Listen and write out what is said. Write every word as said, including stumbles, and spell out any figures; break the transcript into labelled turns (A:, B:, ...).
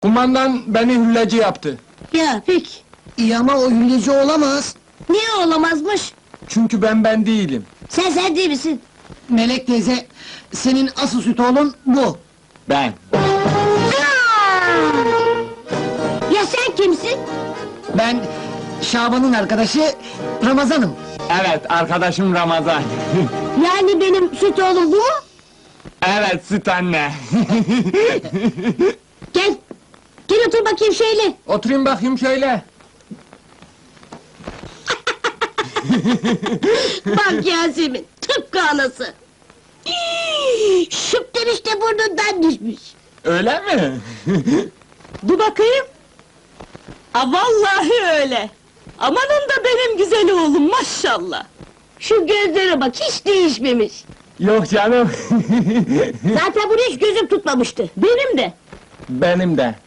A: Kumandan beni hülleci yaptı.
B: Ya peki.
C: İyi ama o hülleci olamaz.
B: Niye olamazmış?
A: Çünkü ben ben değilim.
B: Sen sen değil misin?
C: Melek teyze, senin asıl süt oğlun bu.
A: Ben.
B: Ya sen kimsin?
C: Ben, Şaban'ın arkadaşı Ramazan'ım.
A: Evet, arkadaşım Ramazan.
B: Yani benim süt oğlum bu mu?
A: Evet, süt anne.
B: Gel. Gel otur bakayım şöyle.
A: Oturayım bakayım şöyle.
B: Bak Yasemin, tıpkı anası. Şıptır işte burnundan düşmüş.
A: Öyle mi?
B: Dur bakayım.
D: A vallahi öyle. Amanın da benim güzel oğlum maşallah.
B: Şu gözlere bak, hiç değişmemiş.
A: Yok canım.
B: Zaten bunu hiç gözüm tutmamıştı.
D: Benim de.
A: Benim de.